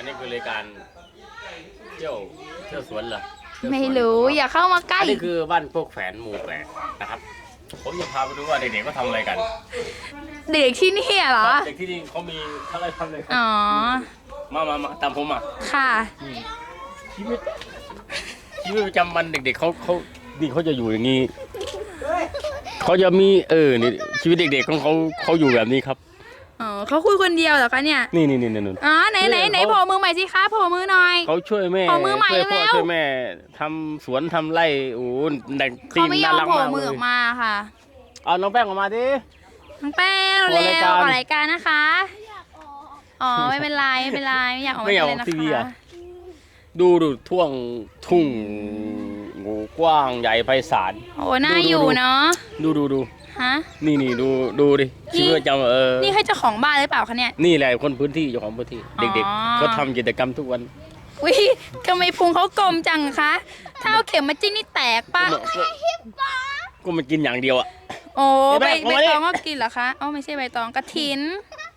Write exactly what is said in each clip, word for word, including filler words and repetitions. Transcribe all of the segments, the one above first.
นี้คือรายการเที่ยวเที่ยวสวนเหรอไม่รู้อย่าเข้ามาใกล้อันนี้คือบ้านพวกแฝนหมู่แปดนะครับผมจะพาไปดูว่าเด็กๆเขาทำอะไรกันเด็กที่นี่เหรอเด็กที่นี่เขามีอะไรทำเลยครับอ๋อมามามาตามผมมาค่ะชีวิตชีวิตประจำวันเด็กๆเขาเขานี่เขาจะอยู่อย่างนี้เขาจะมีเออนี่ชีวิตเด็กๆของเขาเขาอยู่แบบนี้ครับอ๋อเขาคุยคนเดียวเหรอคะเนี่ยนี่นี่นี่นี่อ๋อไหนไหนไหนโผล่มือใหม่สิคะโผล่มือหน่อยเขาช่วยแม่ขอมือใหม่ช่วยพ่อเร็วช่วยแม่ทำสวนทำไร่โอ้โหเด็กตีเขานไม่ยอน่าม รักโผล่มากมืเลอย ออกมาค่ะเอาน้องแป้งออกมาดิน้องแป้งอเร็อกวรายการออกรายการนะคะ อ๋อไม่เป็นไรไม่เป็นไรไม่อยากออกไม่อยากเลยออกนะทีวีคะอ่ะ ดูดูท่วงทุ่งงูกว้างใหญ่ไพศาลโอ้น่าอยู่เนาะดูดูดูฮะนี่นี่ดูดูดิชีวิตประจำเออนี่ให้เจ้าของบ้านหรือเปล่าคะเนี่ยนี่แหละคนพื้นที่เจ้าของพื้นที่อ๋อเด็กๆเขาทำกิจกรรมทุกวันวิทำไมพุงเขากลมจังคะถ้าเอาเข็มมาจิ้มนี่แตกปะก็มันกินอย่างเดียวอ่ะโอ้เดี๋ใบยวแม่ใบเอามาดิตองก็กินเหรอคะอ๋อไม่ใช่ใบตองกระถิน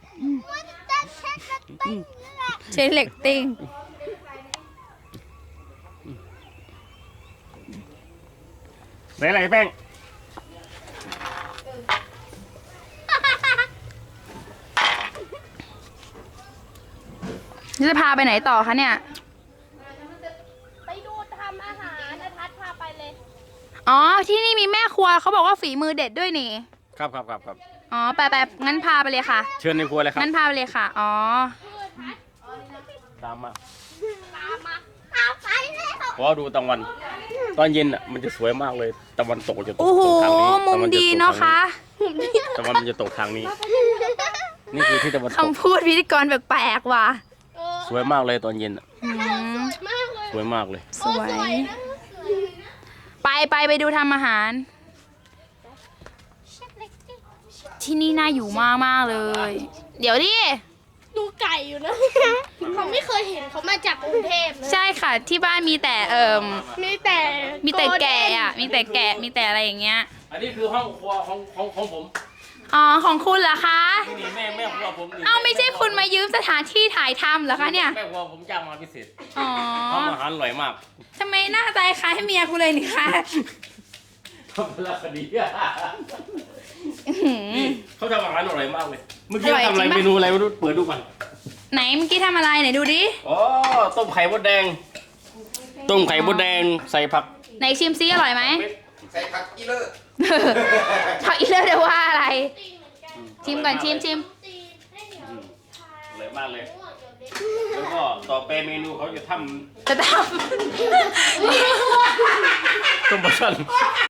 ใช้เหล็กติ้งไหนอะไรแป้งจะพาไปไหนต่อคะเนี่ยไปดูทำอาหารนะทัศน์พาไปเลยอ๋อที่นี่มีแม่ครัวเขาบอกว่าฝีมือเด็ดด้วยนี่ครับครับครับครับอ๋อไปไปงั้นพาไปเลยค่ะเชิญในครัวเลยครับงั้นพาไปเลยค่ะ อ๋อตามมาตามมาตามไปเลยเพราะว่าดูตะวัน ตอนเย็นอ่ะมันจะสวยมากเลยตะวันตกจะตกโอ้โหตกทางนี้มุมตะวันจดีตกเนาะทคะตะวันมันจะตกทางนี้ นี่คือที่ตะวันตกคำพูดพิธีกรแปลกๆว่ะเออสวยมากเลยตอนเย็นอ่ะอืมสวยมากเลยสวยมากเลยสวยโอ้นะสวยไปไปไปดูทำอาหาร ที่นี่น่าอยู่มากมากๆเลย เดี๋ยวดิดูไก่อยู่นะ เขาไม่เคยเห็นเขามาจากกรุงเทพนะใช่ค่ะที่บ้านมีแต่เอ่มมีแต่มีแต่แกะอ่ะ มีแต่แกะมีแต่อะไรอย่างเงี้ยอันนี้คือห้องครัวของของของผมอ๋อของคุณเหรอคะนี่แม่แม่ครัวผมนี่เอ้าไม่ใช่คุณมายืมสถานที่ถ่ายทำเหรอคะเนี่ยแม่ครัวผมจ้างมาพิเศษอ๋อทำอาหารอร่อยมากทำไมหน้าตาคล้ายเมียกูเลยนี่คะทำเป็นคดีอื้อหือนี่เขาทำอาหารอร่อยมากเลย เมื่อกี้อร่อยทำอะไรจริงปะเมนูอะไรไม่รู้เปิดดูก่อนไหนเมื่อกี้ทำอะไรไหนดูดิอ๋อต้มไข่มดแดง ต้มไข่มดแดงใส่ผักไหนชิมซิอร่อยไหมใส่ผักอีเลอร์เขาอีเลือดว่าอะไร ชิมก่อนชิมชิมอร่อยมากเลย แล้วก็ต่อไปเมนูเขาจะทจะทำำต้มปลาช่อน